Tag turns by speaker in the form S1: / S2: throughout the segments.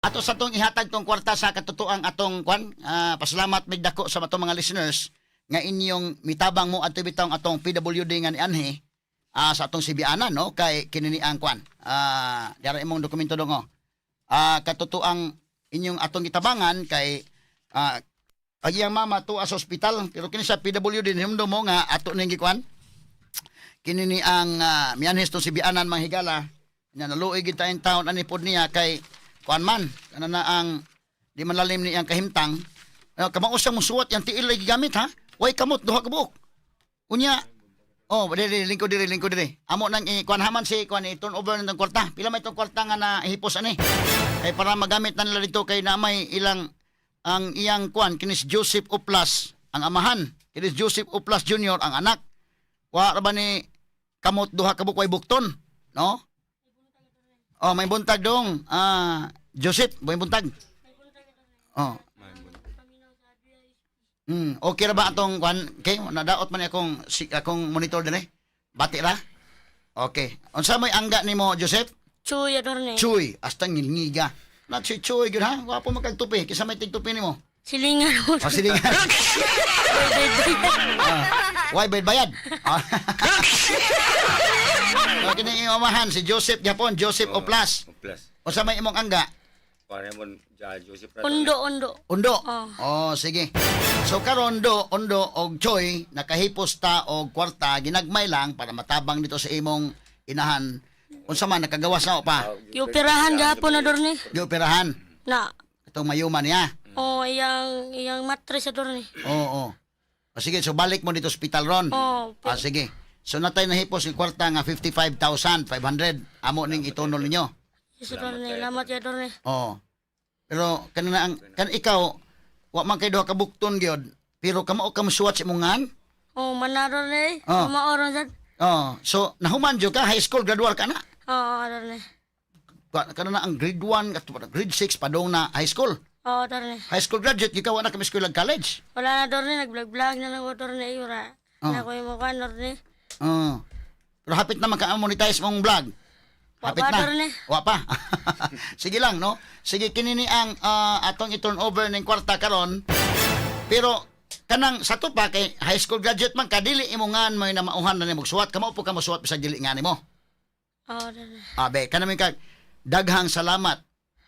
S1: Ato sa tong ihatag tong kwarta sa katotoang atong kwan, pasalamat mig dako sa atong mga listeners nga inyong mitabang mo adto bitong atong PWD nga ni Anhe sa atong Sibianan no kay kinini ang kwan. Dara imong dokumento dongo. Katotoang inyong atong gitabangan kay agiyang mama to sa ospital pero kini sa PWD himdo mo nga ato ning gikwan. Kinini ang mianhes tong Sibianan manghigala nya naluoy gid tayong taon ani pod niya kay kuan man kana na ang di man lalim ni ang kahimtang kamao sa musuwat yang tiil lagi gamit ha way kamot duha ka buok unya diri lingko diri amo nang kuan haman si kuan turn over ng kwarta pila may tong kwarta nga na hipos ani kay para magamit na nila dito kay na may ilang ang iyang kuan kinis Joseph Oplas ang amahan kinis Joseph Oplas Jr. ang anak wa ra ba ni kamot duha ka buok way bukton no. May buntag dong. Joseph, may buntag. Okay ra ba atong kwan? Okay, nadaot man akong monitor din eh. Bati ra? Okay. Unsa may angga nimo, Joseph?
S2: Chuy adorne.
S1: Chuy, hasta ngilngiga. Na si Chuy gyud ha. Wapo magkagtupi, kisa may tigtupi nimo.
S2: Silingan mo.
S1: Silingan. Why bayad? Kini imahan si Joseph Japon, Joseph Oplas. Unsa may imong angga?
S3: Para mo Joseph
S2: Ondo.
S1: Undo. Sige. So karon Ondo og Choy nakahipos ta og kwarta ginagmay lang para matabang dito sa imong inahan. Unsa man nakagawas na o pa?
S2: Gioperahan gahapon adorne.
S1: Gioperahan.
S2: Na.
S1: Itong mayuman niya.
S2: Iyang mattress adorne.
S1: Oo. Sige, so balik mo dito sa hospital ron. Sige. So natay nahipos yung kwarta nga 55,500. Amo ning itunol ninyo.
S2: Yes, adorne. Lamat ya adorne.
S1: Pero kanina kan ikaw wa man kay duha ka bukton gyud. Pero kamao ka musuwat sa imong ngan?
S2: Manador ni.
S1: Oh.
S2: Maoron sad.
S1: So nahuman jud ka high school graduate ka na.
S2: Adorne.
S1: Kanina ang grade 1 at grade 6 padong na high school.
S2: Adorne.
S1: High school graduate ikaw na kami school ag college.
S2: Wala na adorne, nag-vlog na lang adorne ira. Na ko yung mukha adorne.
S1: Pero hapit na maka-monetize mong vlog. Hapit na. Wa pa. Sige lang, no? Sige, kinini ang atong i-turn over ng kwarta karon. Pero, kanang sa to pa, kay high school graduate man, kadili imongan mo na mauhan na ni magsuwat. Kamao po ka masuwat sa dili nga ni mo. Abe, kanami ka, daghang salamat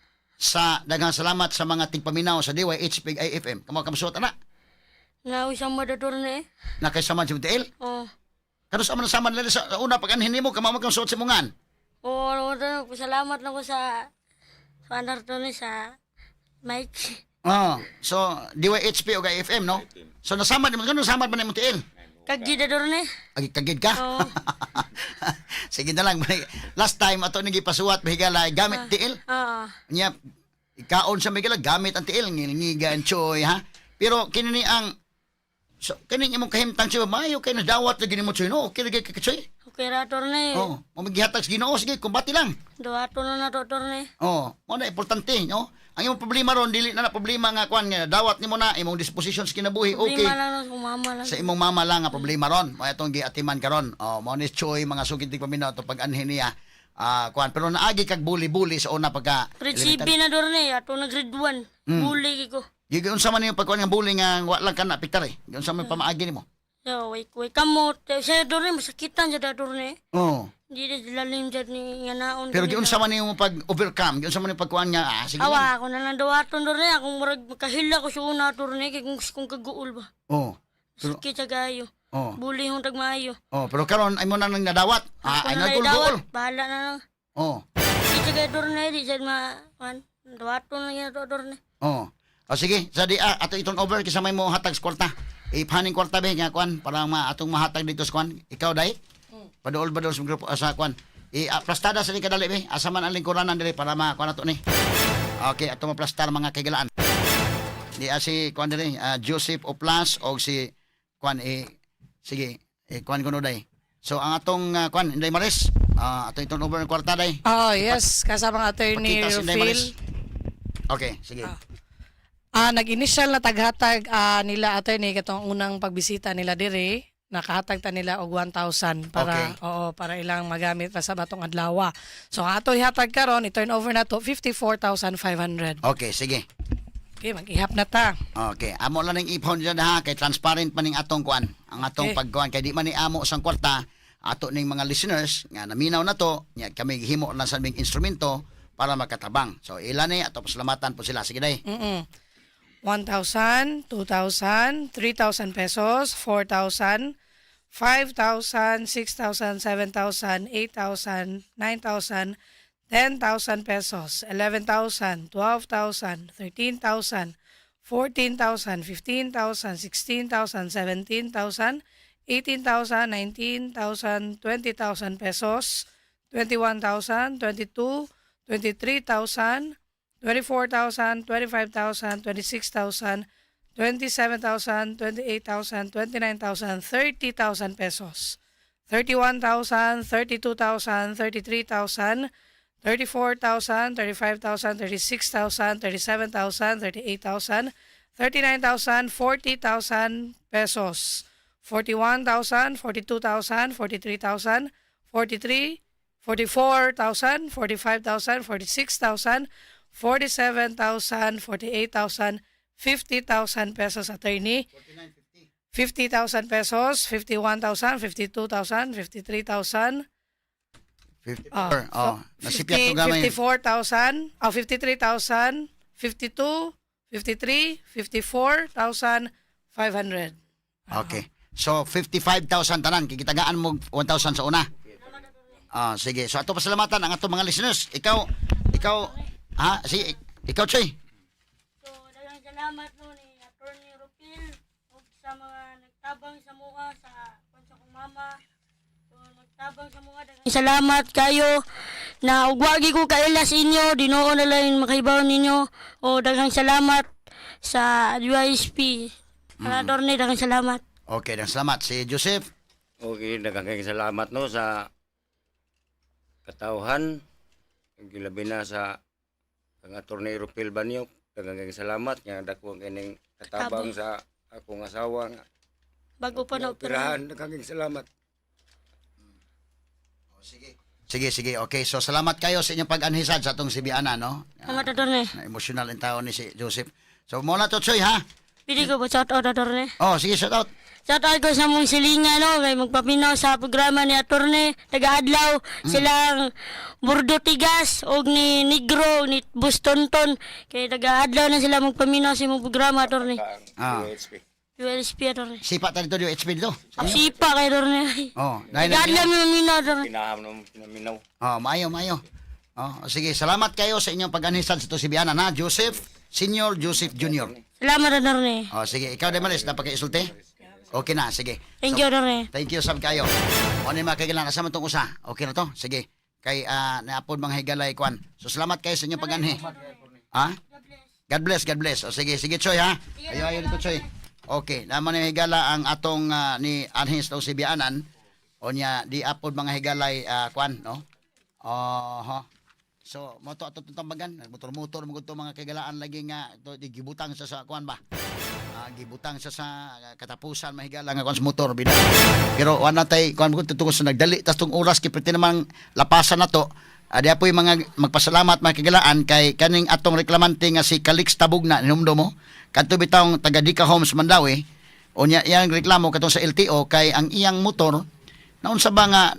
S1: sa mga tigpaminaw sa DYHP IFM. Kamao ka masuwat, anak?
S2: Nausang madadorne.
S1: Nakaisaman si Mutiel? Kano sama nila sa una pag-anhin mo, kamao kang suot si mungan?
S2: Salamat na ko sa anar to ni sa Mike.
S1: So DYHP o IFM, no? So nasama naman, kano nasama ba ni Mutiel?
S2: Kagid adorne.
S1: Kagid ka? Sige na lang. Last time, ato nang ipasuwat, mahigala, gamit tiil? Nya, ikaon sa mahigala, gamit ang tiil, ngilingiga ang choy, ha? Pero kinini ang so, kaning imong kahimtang siya, maayo kayo na dawat na gini mo choy, no? Okay, lagi kakatsoy?
S2: Okay, adorne.
S1: Mamaghihatag sa Ginoo, sige, kumbati lang.
S2: Duwato na adorne.
S1: Mo na, importante, no? Ang imong problema ron, dili na problema nga, kwan, nga, dawat ni mo na, imong disposition sa kinabuhi, okay.
S2: Problema lang sa mama lang.
S1: Sa imong mama lang, nga problema ron. Mo itong giatiman ka ron. Mo ni choy, mga sukitig paminaw, ito pag-anhin niya. Kwan, pero naagi kag buli-buli sa una pagka...
S2: Grade 7 na adorne, ato na grade 1. Buli ko.
S1: Gigon sa man yung pagkuhan ng bullying nga wa lang ka na piktar eh. Gigon sa man pamaagi nimo.
S2: So, way kamot. Sa adorne, masakitan sa adorne. Hindi lalim dyan ni nga naon.
S1: Pero giun sa man yung pag-overcome, giun sa man yung pagkuhan nga, sige lang.
S2: Ako na lang dawaton adorne. Akong murag makahila ko sa una adorne, kaya kung kaguol ba. Sakit sa gayo. Buli hong tagmayo.
S1: Pero karon ay mo na nang nadawat. Ay nagul-gul.
S2: Bahala na lang. Di sa gayo adorne, di sa dawaton na yan adorne.
S1: Sige, sa di ato itong over kisa may mo hatag sa kwarta. Ipaning kwarta be nga kwan para atong mahatag dito sa kwan. Ikaw dai. Paduol sa grupo sa kwan. Plastada sa ni kadali be. Asa man ang lingkuranan diri para makuan nato ni. Okay, ato maplastar mga kagalaan. Di si kwan diri Joseph Oplas og si kwan sige, kwan kuno dai. So ang atong kwan Inday Maris, ato itong over ng kwarta dai.
S4: Yes, kasama ang attorney Rufil.
S1: Okay, sige.
S4: Nag-initial na taghatag nila attorney katong unang pagbisita nila dire nakahatag ta nila og 1,000 para
S1: Okay.
S4: para ilang magamit pa sa batong adlaw. So ang ato ihatag karon i-turn over na to 54,500.
S1: Okay, sige.
S4: Okay, mag-ihap na ta.
S1: Okay, amo lang ning ipon dyan ha, kay transparent pa ning atong kuan. Ang atong
S4: Okay.
S1: pagkuan kay di man ni amo sang kwarta ato ning mga listeners nga naminaw na to, nya kami gihimo lang sa aming instrumento para makatabang. So ilan ni ato pasalamatan po sila. Sige day.
S4: 1,000, 2,000, 3,000 pesos, 4,000, 5,000, 6,000, 7,000, 8,000, 9,000, 10,000 pesos, 11,000, 12,000, 13,000, 14,000, 15,000, 16,000, 17,000, 18,000, 19,000, 20,000 pesos, 21,000, 22, 23,000, 24,000, 25,000, 26,000, 27,000, 28,000, 29,000, 30,000 pesos, 31,000, 32,000, 33,000, 34,000, 35,000, 36,000, 37,000, 38,000, 39,000, 40,000 pesos, 41,000, 42,000, 43,000, 43, 44,000, 45,000, 46,000, 47,000, 48,000, 50,000 pesos, attorney. 50,000 pesos, 51,000, 52,000, 53,000.
S1: 54. Nasipyat to gamay.
S4: 54,000, 53,000, 52, 53, 54,500.
S1: Okay. So 55,000 tanan kikitagaan mo 1,000 sa una. Sige. So ato pasalamatan ang ato mga listeners. Ikaw sige, ikaw Choy.
S2: So, daghang salamat no ni Attorney Rupil ug sa mga nagtabang sa mga sa kong mama. So, nagtabang sa mga daghang salamat kayo na ug wagi ko kaila sa inyo, Dinoo na lang makahibaw ninyo. O daghang salamat sa UISP. Attorney, daghang salamat.
S1: Okay, dan salamat si Joseph.
S3: Okay, daghang salamat no sa katawhan. Gilabi na sa ang Attorney Rupil Banyok. Daghang salamat nga dako kining katabang sa akong asawa nga
S2: Bago pa na
S3: operahan. Daghang salamat.
S1: Sige. Okay, so salamat kayo sa inyong pag-anhisad sa atong Sibiana, no?
S2: Salamat, Attorney.
S1: Na emotional ang tao ni si Joseph. So muna to Choy ha.
S2: Pili ko po shout out, Attorney.
S1: Sige, shout out.
S2: Shout out ko sa mong silingan, no? Kay magpapinaw sa programa ni Attorney. Taga-adlaw silang Burdo Tigas o ni Negro, ni Bustonton. Kay taga-adlaw na sila magpaminaw sa mong programa, Attorney.
S3: UHP.
S2: ULSP, Attorney.
S1: Sipa tayo dito yung HP dito.
S2: Sipa kay Attorney.
S1: Dahil
S2: Taga-adlaw mo maminaw, Attorney.
S3: Pinaham ng pinaminaw.
S1: maayo. Sige, salamat kayo sa inyong pag-anhisad sa itong Sibiana na Joseph, Senior Joseph Junior.
S2: Salamat, Attorney.
S1: Sige, ikaw din malis, napaka-isulti? Okay na, sige.
S2: Thank you, Attorney.
S1: Thank you, sab kayo. O ni mga kailangan, asama itong usa. Okay na to? Sige. Kay naapod mga higalay, kwan. So, salamat kayo sa inyong pag-anhi. God bless. O sige, Choy ha. Ayo dito, Choy. Okay, naman yung higala ang atong ni Anhis o Sibianan. O niya, di apod mga higalay, kwan, no? So, moto ato tambagan, motor-motor mo to mga kagalaan lagi nga to gibutang sa kwan ba. Gibutang sa katapusan mahigala nga kwan sa motor bida. Pero wala tay kwan mo tutungos sa nagdali tas tong oras kipiti namang lapasan nato. Adi apoy mga magpasalamat mga kagalaan kay kaning atong reklamante nga si Calix Tabugna hinumdo mo. Kadto bitawng taga Dika Homes Mandawi. O niya iyang reklamo katong sa LTO kay ang iyang motor naun sa ba nga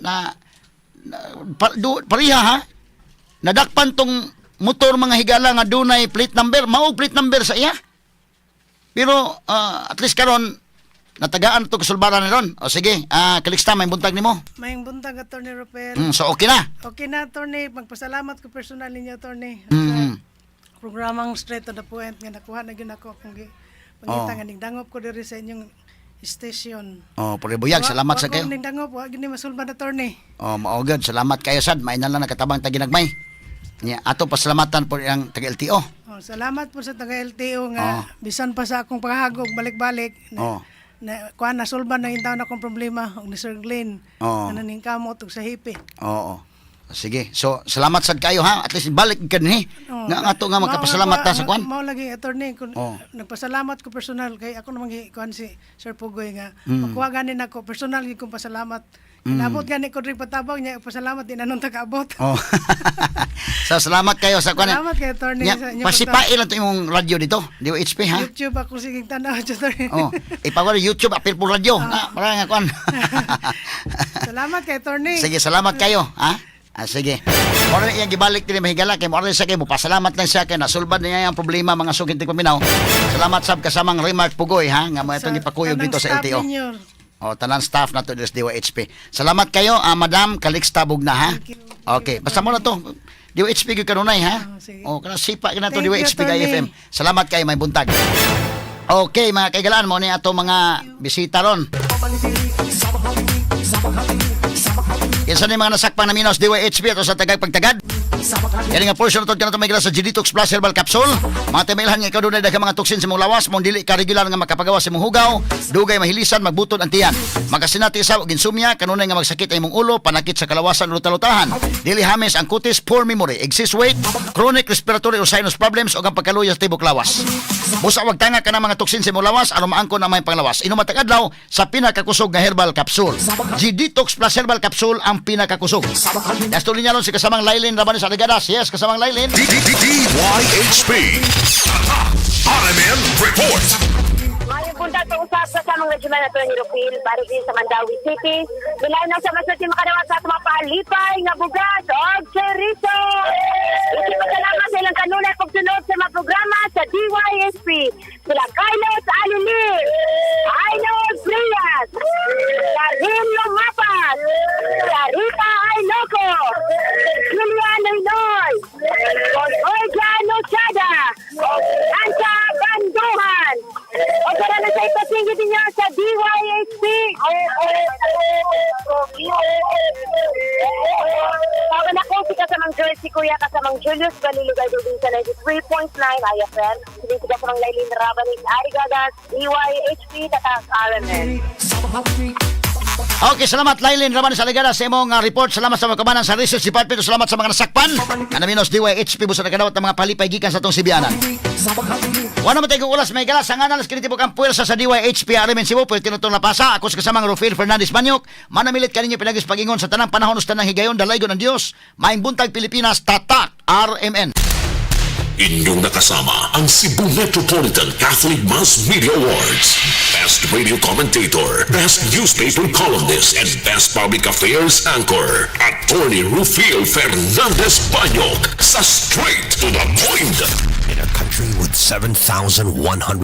S1: pariha ha. Nadakpan tong motor mga higala nga dunay plate number, mao plate number sa iya. Pero at least karon natagaan to kasulbaran ni ron. O sige, kaliksta may buntag nimo.
S5: Mayang buntag, Attorney Rupel.
S1: So okay na.
S5: Okay na, Attorney. Magpasalamat ko personal ninyo, Attorney. Programang straight to the point nga nakuha na yun ako kung pangita nga dangop ko diri sa inyong station.
S1: Puri buyag, salamat sa kayo.
S5: Wag dangop, wag gini masulban, Attorney.
S1: Mao gud, salamat kayo sad. May na lang nakatabang taginagmay. Nya ato pasalamatan po ang taga LTO.
S5: Salamat po sa taga LTO nga bisan pa sa akong paghagog balik-balik na kuan nasulban na intaw na akong problema og ni Sir Glenn na naning kamot og sa hipi.
S1: Sige. So, salamat sad kayo ha. At least balik ka ni.
S5: Oh,
S1: Nga ato nga magkapasalamat ta sa kwan.
S5: Mao lagi attorney kun
S1: Oh.
S5: nagpasalamat ko personal kay ako namang kuan si Sir Pugoy nga
S1: Mm.
S5: makuha ganin ako personal gyud kong pasalamat. Inabot gani ko rin patabang niya pasalamat din anong tagaabot.
S1: Oh. So, salamat kayo sa kwan.
S5: Salamat kay attorney
S1: Nya,
S5: sa inyo.
S1: pasipain lang to yung radio dito. DOHP ha.
S5: YouTube ako sige tanaw attorney.
S1: Oh, ipawala YouTube apil po radio. Na, para nga kwan.
S5: Salamat kay attorney.
S1: Sige, salamat kayo, ha? Sige. Mora iyang gibalik din mahigala kay mora sa kay mo pasalamat lang siya kay nasulbad niya ang problema mga sugintig paminaw. Salamat sab kasamang Remark Pugoy ha nga mo itong ipakuyog dito sa LTO. O tanan staff nato dito sa DOHP. Salamat kayo, Madam Calixta Bugna ha. Okay, basta mo na to. DOHP gyud kanunay ha.
S5: sige.
S1: O kana sipa kina to
S5: Thank you,
S1: DOHP kay
S5: Tony.
S1: FM. Salamat kayo may buntag. Okay, mga kaigalaan mo ni ato mga bisita ron. Kinsa ni mga nasakpang na minos DYHP ato sa tagag pagtagad. Yan nga portion na ito may sa G-Detox Plus Herbal Capsule. Mga temailhan nga ikaw doon ay daghang mga toksin sa mong lawas, mong dili ka regular nga makapagawa sa mong hugaw, dugay mahilisan, magbutod ang tiyan. Magasinati sa og insomnia, kanunay nga magsakit ay mong ulo, panakit sa kalawasan o lutalutahan. Dili hamis ang kutis, poor memory, excess weight, chronic respiratory or sinus problems o ang pagkaluya sa tibok lawas. Busa wag tanga ka ng mga toksin sa mong lawas, aron maangkon ang may panglawas. Inumatag adlaw sa pinakakusog nga herbal capsule. G-Detox Plus Herbal Capsule ang pinakakusog. Dastuloy niya ron si kasamang Lailin Rabanes Aligadas. Yes, kasamang Lailin.
S6: DYHP RMN Report.
S7: Mayong punta sa usap sa samang regional na Atty. Rupil, Barigin sa Mandawi City. Bilayan na sa masuti makadawat sa mapalipay nga bugas o cherizo. Isipagkalaman sa ilang kanunay pagsunod sa mga programa sa DYSP. Sila Carlos Alilir, Ainos Frias, Karim Lomapas, Clarita Ainoco, Julian Noynoy, Olga Nochada, Ansa Banduhan. O tara na sa ipasingit niya sa DYHP. Tawagan ako si kasamang Joyce, si Kuya kasamang Julius Balilugay din sa 93.9 IFM. Hindi si kasamang Lailin Rabanis Arigadas, DYHP, Tatak RMN.
S1: Okay, salamat Lailin Rabanes Aligadas sa imong report. Salamat sa mga kamanan sa Research Department. Salamat sa mga nasakpan. Kanaminos DYHP busa nagkadawat ng mga palipay gikan sa tong Sibianan. Wala man tayong ulas may galas. Ang analis kinitibok ang puwersa sa DYHP RMN Cebu. Pwede tinutong napasa. Ako sa kasamang Rufil Fernandez Banyok. Manamilit kaninyo pinagis pagingon sa tanang panahon sa tanang higayon. Dalaygon ng Diyos. Maing buntag Pilipinas. Tatak RMN.
S6: Inyong nakasama ang Cebu Metropolitan Catholic Mass Media Awards. Best Radio Commentator, Best Newspaper Columnist, and Best Public Affairs Anchor. Attorney Rufil Fernandez Banyok sa Straight to the Point. In a country with 7,100